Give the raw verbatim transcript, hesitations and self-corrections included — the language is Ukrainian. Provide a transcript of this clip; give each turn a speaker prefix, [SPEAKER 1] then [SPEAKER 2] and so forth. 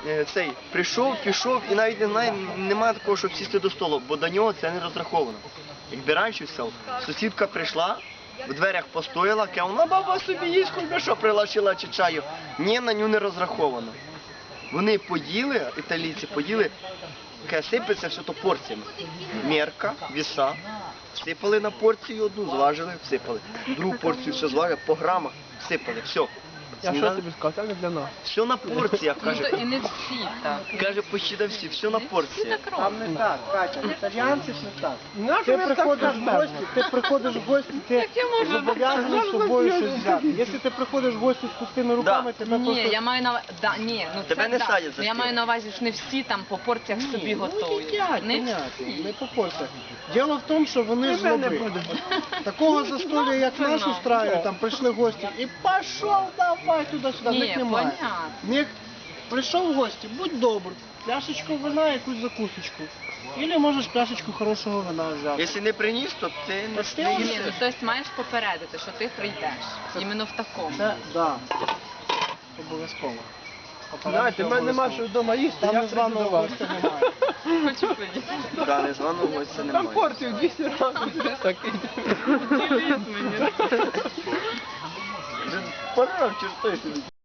[SPEAKER 1] е, цей прийшов, пішов і навіть не знає, немає такого, щоб сісти до столу, бо до нього це не розраховано. Якби раніше все, сусідка прийшла, в дверях постояла, каже, вона баба собі їсть, хоч би що прилашила чи чаю. Ні, на нього не розраховано. Вони поїли, італійці поїли, каже, сипеться все то порціями. Мерка, віса, всипали на порцію одну, зважили, всипали. Другу порцію все зважили, по грамах всипали, все.
[SPEAKER 2] Я що тобі сказав, це не для нас.
[SPEAKER 1] Все на порціях,
[SPEAKER 3] Ну,
[SPEAKER 1] каже.
[SPEAKER 3] то і не всі так.
[SPEAKER 1] Каже, почти до всі, все на
[SPEAKER 3] Всі
[SPEAKER 1] порціях.
[SPEAKER 3] так
[SPEAKER 4] Там
[SPEAKER 3] роблять.
[SPEAKER 4] не так, Катя, італіянці ж не так.
[SPEAKER 2] Нащо
[SPEAKER 4] Ти
[SPEAKER 2] ви так
[SPEAKER 4] приходиш в
[SPEAKER 2] кажете?
[SPEAKER 4] гості, ти приходиш в гості, ти
[SPEAKER 3] я можу
[SPEAKER 4] зобов'язаний з собою щось взяти. Якщо ти приходиш в гості з пустими руками, тебе
[SPEAKER 3] Ні,
[SPEAKER 4] просто...
[SPEAKER 3] я маю на увазі, да, ні, ну
[SPEAKER 1] Тебе
[SPEAKER 3] це
[SPEAKER 1] не
[SPEAKER 3] да.
[SPEAKER 1] садять за
[SPEAKER 3] Ну, я
[SPEAKER 1] стіл.
[SPEAKER 3] маю на увазі, що не всі там по порціях собі
[SPEAKER 4] Ну,
[SPEAKER 3] готують.
[SPEAKER 4] їдять,
[SPEAKER 3] Не
[SPEAKER 4] понятно,
[SPEAKER 3] всі.
[SPEAKER 4] не по порціях. Діло в тому, що вони ж
[SPEAKER 2] Тебе не
[SPEAKER 4] лоби.
[SPEAKER 2] буде.
[SPEAKER 4] Такого застолля, як
[SPEAKER 3] Це
[SPEAKER 4] наш
[SPEAKER 3] нам.
[SPEAKER 4] устраюють, там прийшли гості і пішов, давай туди-сюди, в
[SPEAKER 3] Ні,
[SPEAKER 4] них немає.
[SPEAKER 3] понятно.
[SPEAKER 4] В них прийшов в гості, будь добр, пляшечку вина, якусь закусочку. Або можеш пляшечку хорошого вина взяти.
[SPEAKER 1] Якщо не приніс, то ти не,
[SPEAKER 4] Ти
[SPEAKER 1] не
[SPEAKER 3] Ні,
[SPEAKER 1] їси.
[SPEAKER 3] ну тобто маєш попередити, що ти прийдеш. Іменно в такому.
[SPEAKER 4] Це, да, обов'язково.
[SPEAKER 2] Знаєте, в мене нема що вдома їсти,
[SPEAKER 4] Там
[SPEAKER 2] я
[SPEAKER 4] не
[SPEAKER 2] прийду до
[SPEAKER 4] званого
[SPEAKER 2] вас.
[SPEAKER 4] гостя немає.
[SPEAKER 3] Хочу поїсти.
[SPEAKER 1] Да, незваного гостя
[SPEAKER 2] Там
[SPEAKER 1] немає.
[SPEAKER 2] порцію двісті разів. Такий.
[SPEAKER 1] Пора в чорти собі.